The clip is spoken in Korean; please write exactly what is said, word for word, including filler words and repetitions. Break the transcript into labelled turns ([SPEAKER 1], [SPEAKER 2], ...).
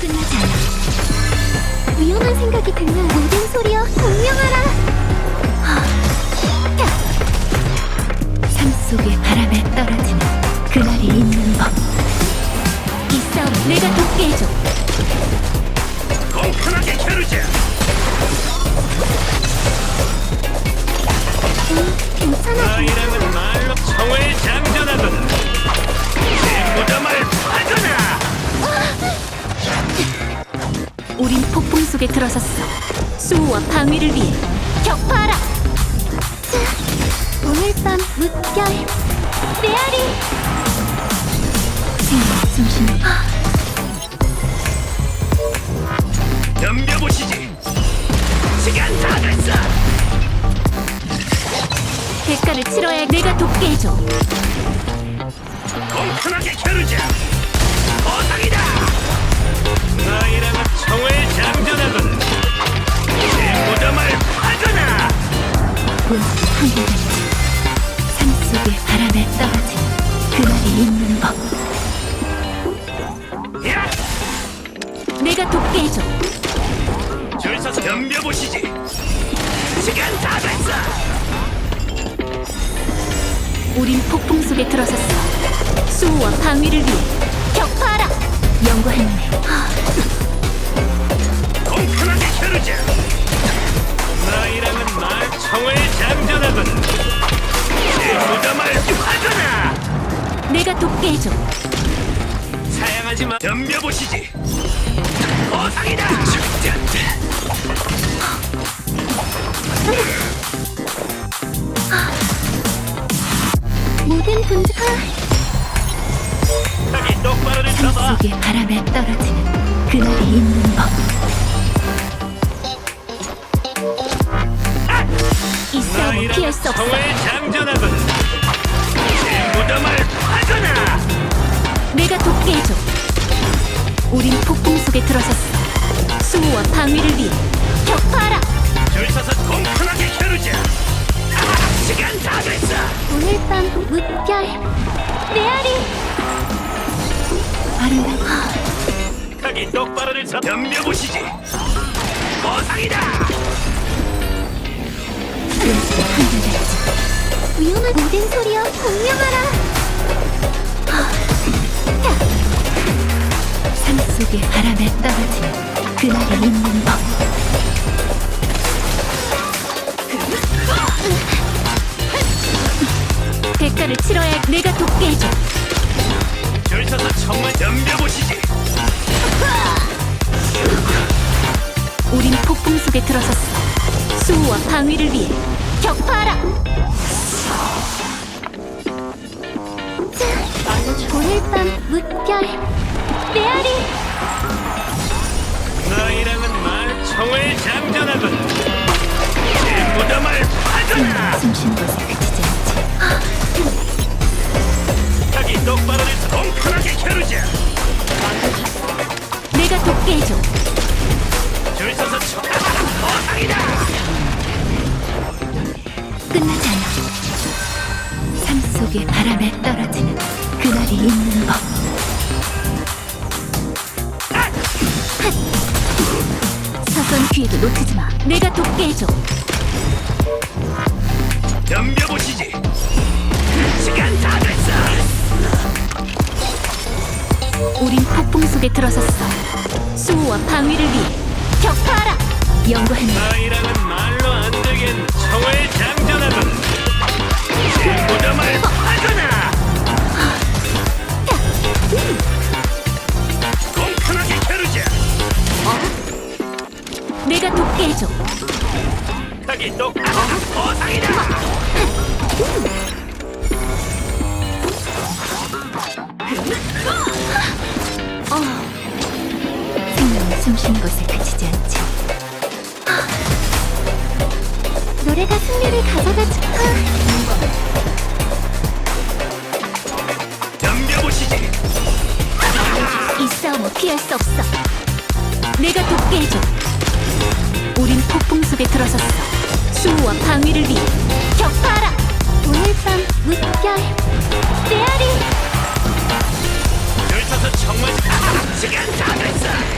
[SPEAKER 1] 끝나지 않아. 위험한 생각이 들면 모든 소리여 공명하라. 삶 속의 바람에 떨어지는 그날이 있는 법. 이 싸움 내가 돕게 해줘.
[SPEAKER 2] 공평하게 겨루자.
[SPEAKER 1] 응, 괜찮아.
[SPEAKER 2] 너희랑은 말로 청을 장전하거나 내 무덤을 파거나.
[SPEAKER 1] 우린 폭풍 속에 들어섰어. 수호와 방위를 위해 격파하라. 자, 오늘 밤 물결 메아리. 생명 숨쉬는
[SPEAKER 2] 덤벼보시지. 시간 다 됐어.
[SPEAKER 1] 대가를 치러야 내가 돕게 해줘.
[SPEAKER 2] 공평하게 겨루자. 보상이다. 너희랑은 청을 장전하거나 내 무덤을 파거나.
[SPEAKER 1] 본수 한결같이 삶 속의 바람에 떨어지는 그날이 있는 법.
[SPEAKER 2] 야!
[SPEAKER 1] 내가 돕게 해줘.
[SPEAKER 2] 줄 서서 덤벼보시지. 시간 다 됐어.
[SPEAKER 1] 우린 폭풍 속에 들어섰어. 수호와 방위를 위해 격파하라. 연구했네.
[SPEAKER 2] 공평하게 겨루자. 너희랑은 말 청을 장전하거나 내 무덤을 파거나.
[SPEAKER 1] 내가 돕게 해줘.
[SPEAKER 2] 사양하지 마. 덤벼보시지. 보상이다. 절대 안 돼.
[SPEAKER 1] 모든 분들
[SPEAKER 2] 여기 똑바로를
[SPEAKER 1] 삶
[SPEAKER 2] 잡아.
[SPEAKER 1] 속의 바람에 떨어지는 그날이 있는 법. 이 싸움을 피할 수 없어.
[SPEAKER 2] 청을 장전하거나 내 무덤을 파거나.
[SPEAKER 1] 내가 돕게 해줘. 우린 폭풍 속에 들어섰어. 수호와 방위를 위해 격파하라.
[SPEAKER 2] 줄 서서 공평하게 겨루자. 아, 시간 다 됐어.
[SPEAKER 1] 오늘 밤 물결 메아리. 아름다워.
[SPEAKER 2] 여기 똑바로를 잡아. 덤벼보시지. 보상이다.
[SPEAKER 1] 연습의 한결같이 위험한 모든 소리여 공명하라. 삶 속의 바람에 떨어지는 그날이 있는 법. 대가를 치러야 내가 돕게 해줘.
[SPEAKER 2] 줄 서서 정말 덤벼보시지.
[SPEAKER 1] 우린 폭풍 속에 들어섰어. 수호와 방위를 위해 격파하라. 자, 오늘 밤 물결 메아리.
[SPEAKER 2] 너희랑은 말 청을 장전하거나 내 무덤을 파거나.
[SPEAKER 1] 숨쉬는 곳에 그치지 않지.
[SPEAKER 2] 여기 똑바로를 잡아. 공평하게 겨루자.
[SPEAKER 1] 내가 돕게 해줘.
[SPEAKER 2] 줄 서서 청. 보상이다.
[SPEAKER 1] 끝나지 않아. 삶 속의 바람에 떨어지는 그날이 있는 법. 사소한 기회도 놓치지 마. 내가 돕게 해줘.
[SPEAKER 2] 덤벼보시지. 시간 다 됐어.
[SPEAKER 1] 우린 폭풍 속에 들어섰어. 수호와 방위를 위해 격파하라. 연구했네.
[SPEAKER 2] 너희랑은 말로 안 되겠는 청을 장전하거나 내 무덤을 파거나. 공평하게 겨루자.
[SPEAKER 1] 내가 돕게 해줘.
[SPEAKER 2] 여기 똑. 보상이다.
[SPEAKER 1] 어. 생명은 숨쉬는 곳에 그치지 않지. 노래가 승리를 가져다 줄까?
[SPEAKER 2] 덤벼보시지.
[SPEAKER 1] 이 싸움을 피할 수 없어. 내가 돕게 해줘. 우린 폭풍 속에 들어섰어. 수호와 방위를 위해 격파하라. 오늘 밤 물결 메아리.
[SPEAKER 2] 줄 서서 정말 시간 다 됐어.